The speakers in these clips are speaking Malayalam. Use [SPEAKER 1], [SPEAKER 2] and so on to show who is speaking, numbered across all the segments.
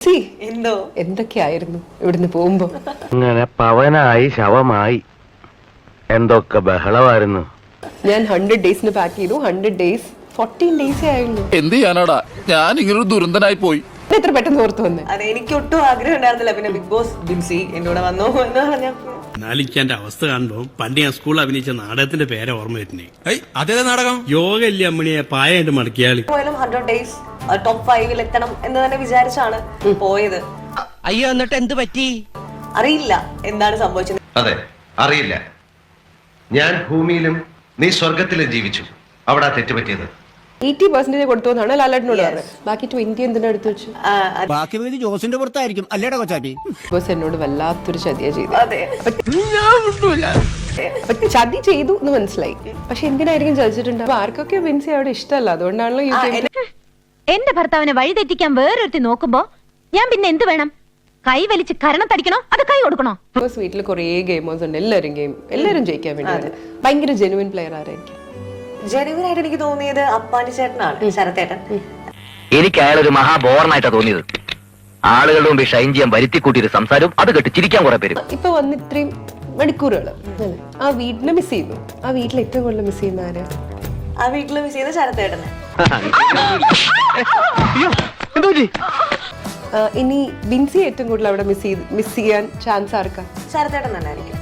[SPEAKER 1] എന്തോ
[SPEAKER 2] എന്തൊക്കെയായിരുന്നു ഇവിടുന്ന് പോകുമ്പോ.
[SPEAKER 3] അങ്ങനെ പവനായി ശവമായി എന്തൊക്കെ ബഹളമായിരുന്നു.
[SPEAKER 2] ഞാൻ 100 ഡേയ്സിന് പാക്ക് ചെയ്തു. 100 ഡേയ്സ് 14 ഡേയ്സേ ആയുള്ളൂ.
[SPEAKER 4] എന്ത് ചെയ്യാനാടാ, ഞാൻ ഇങ്ങനൊരു ദുരന്തനായി പോയി.
[SPEAKER 2] എത്ര പെട്ടെന്ന് ഓർത്തു വന്നേ.
[SPEAKER 1] അതെ, എനിക്ക് ഒട്ടും ആഗ്രഹം ഉണ്ടായിരുന്നില്ല. പിന്നെ ബിഗ് ബോസ് ബിൻസി എന്നോട് വന്നോ എന്ന് പറഞ്ഞപ്പോ
[SPEAKER 5] നാലിക്കാന്റെ അവസ്ഥ കാണുമ്പോ പണ്ട് ഞാൻ സ്കൂളിൽ അഭിനയിച്ച നാടകത്തിന്റെ പേരെ ഓർമ്മ വരുന്നേ.
[SPEAKER 4] അതേ നാടകം
[SPEAKER 5] യോഗ ഇല്ല അമ്മണിയെ പായായിട്ട് മടക്കിയാളി.
[SPEAKER 1] പോയാലും 100 ഡേയ്സ് ടോപ്പ് 5 എത്തണം എന്ന് തന്നെ വിചാരിച്ചാണ് പോയത്.
[SPEAKER 6] അയ്യോ, എന്നിട്ട് എന്ത് പറ്റി?
[SPEAKER 1] അറിയില്ല എന്താണ് സംഭവിച്ചത്.
[SPEAKER 7] അതെ, അറിയില്ല. ഞാൻ ഭൂമിയിലും നീ സ്വർഗത്തിലും ജീവിച്ചു. അവിടെ തെറ്റ് പറ്റിയത്
[SPEAKER 2] 80% കൊടുത്തോന്നാണ് ലാലേട്ടനോട് പറഞ്ഞത്. ബാക്കി 20 എന്തിനാ എടുത്തു വെച്ചു?
[SPEAKER 6] ബാക്കി പകുതി ജോസിന്റെ പുറത്തായിരിക്കും അല്ലേടാ കൊച്ചാപ്പി?
[SPEAKER 2] ബോസ് എന്നോട് വല്ലാത്തൊരു ചതിയാ ചെയ്തു.
[SPEAKER 1] അതെ,
[SPEAKER 2] ചതി ചെയ്തു എന്ന് മനസ്സിലായി. പക്ഷെ എന്തിനായിരിക്കും ചതിച്ചിട്ടുണ്ട്? അപ്പൊ ആർക്കൊക്കെ ബിൻസി അവിടെ ഇഷ്ടമല്ല. അതുകൊണ്ടാണല്ലോ
[SPEAKER 8] എന്റെ ഭർത്താവിനെ വഴിതെറ്റിക്കാൻ വേറൊരുത്തി നോക്കുമ്പോ ഞാൻ പിന്നെ എന്ത് വേണം? കൈ വലിച്ച് കരണത്തടിക്കണോ അത് കൈ കൊടുക്കണോ?
[SPEAKER 2] ബോസ് വീട്ടിൽ കുറേ ഗെയിമേഴ്സ് ഉണ്ട്. എല്ലാവരും ജയിക്കാൻ വേണ്ടി ഭയങ്കര ജെനുവിൻ പ്ലെയർ ആരായിരിക്കും?
[SPEAKER 1] ജനുവൻ ആയിട്ട് എനിക്ക് തോന്നിയത് അപ്പാനി ചേട്ടനാണ്, ശരത്തേട്ടൻ.
[SPEAKER 3] എനിക്ക് അയാളൊരു മഹാബോറനായിട്ടാ തോന്നിയത്. ആളുകളുടെ മുമ്പ് ഷൈൻ ചെയ്യാൻ വരുത്തി കൂട്ടിയൊരു സംസാരവും അത് കേട്ട് ചിരിക്കാൻ കുറെ പേര്.
[SPEAKER 2] ഇപ്പൊ വന്ന് ഇത്രയും മണിക്കൂറുകൾ ആ വീട്ടിനെ മിസ് ചെയ്യുന്നു. ആ വീട്ടിൽ ഏറ്റവും കൂടുതൽ മിസ് ചെയ്യുന്ന ആരാ?
[SPEAKER 1] ആ വീട്ടിൽ മിസ് ചെയ്ത ശരത്തേട്ടനെ.
[SPEAKER 2] ഇനി ബിൻസി ഏറ്റവും കൂടുതൽ അവിടെ മിസ് ചെയ്യാൻ ചാൻസ് ആർക്കാ?
[SPEAKER 1] ശരത്തേട്ടൻ തന്നെ ആയിരിക്കും.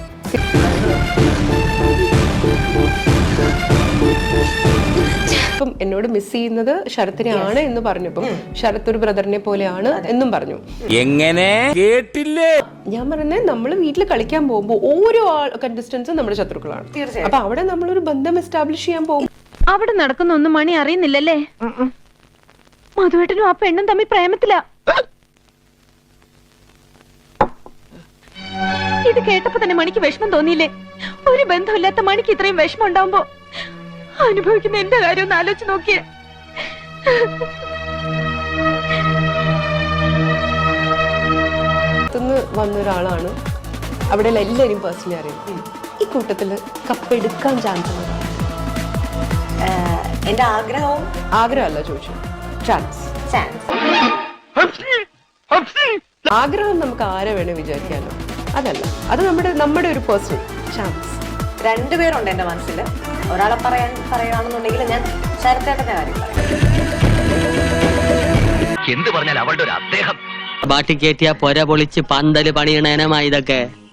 [SPEAKER 2] ഇപ്പം എന്നോട് മിസ് ചെയ്യുന്നത് ശരത്തിനെയാണ് എന്ന് പറഞ്ഞപ്പം ശരത് ഒരു ബ്രദറിനെ പോലെയാണ് എന്നും പറഞ്ഞു.
[SPEAKER 4] എങ്ങനെ കേട്ടില്ലേ?
[SPEAKER 2] ഞാൻ പറയുന്നത് നമ്മൾ വീട്ടിൽ കളിക്കാൻ പോകുമ്പോൾ ഓരോ കണ്ടസ്റ്റൻസും നമ്മുടെ ശത്രുക്കളാണ്. അപ്പൊ അവിടെ നമ്മളൊരു ബന്ധം എസ്റ്റാബ്ലിഷ് ചെയ്യാൻ പോകും.
[SPEAKER 8] അവിടെ നടക്കുന്ന ഒന്നും മണി അറിയുന്നില്ലല്ലേ? മധുവേട്ടനും ആ പെണ്ണും തമ്മിൽ പ്രേമത്തില. ഇത് കേട്ടപ്പോ തന്നെ മണിക്ക് വിഷമം തോന്നിയില്ലേ? ഒരു ബന്ധമില്ലാത്ത മണിക്ക് ഇത്രയും വിഷമം ഉണ്ടാവുമ്പോ അനുഭവിക്കുന്ന എന്റെ കാര്യം ഒന്ന് ആലോചിച്ച് നോക്കിയേ.
[SPEAKER 2] വന്ന ഒരാളാണ്. അവിടെ എല്ലാവരും പേഴ്സണലി അറിയാം. ഈ കൂട്ടത്തില് കപ്പെടുക്കാൻ ചാൻസ് ഉള്ള
[SPEAKER 1] എന്റെ ആഗ്രഹമല്ല
[SPEAKER 2] ചോദിച്ചു. ചാൻസ്. ആഗ്രഹം നമുക്ക് ആരെ വേണേ വിചാരിക്കാനോ, അതല്ല. അത് നമ്മുടെ ഒരു പേഴ്സണൽ ചാൻസ്.
[SPEAKER 1] രണ്ടുപേരുണ്ട് എന്റെ മനസ്സിൽ. ഒരാളെ പറയുകയാണെന്നുണ്ടെങ്കിൽ ഞാൻ ശരത്തേട്ടന്റെ കാര്യം പറയാം.
[SPEAKER 3] എന്ത് പറഞ്ഞാൽ അവളുടെ ഒരു അദ്ദേഹം
[SPEAKER 6] ബാട്ടി കയറ്റിയ പൊര പൊളിച്ച് പന്തല് പണിയണേനമാ ഇതൊക്കെ.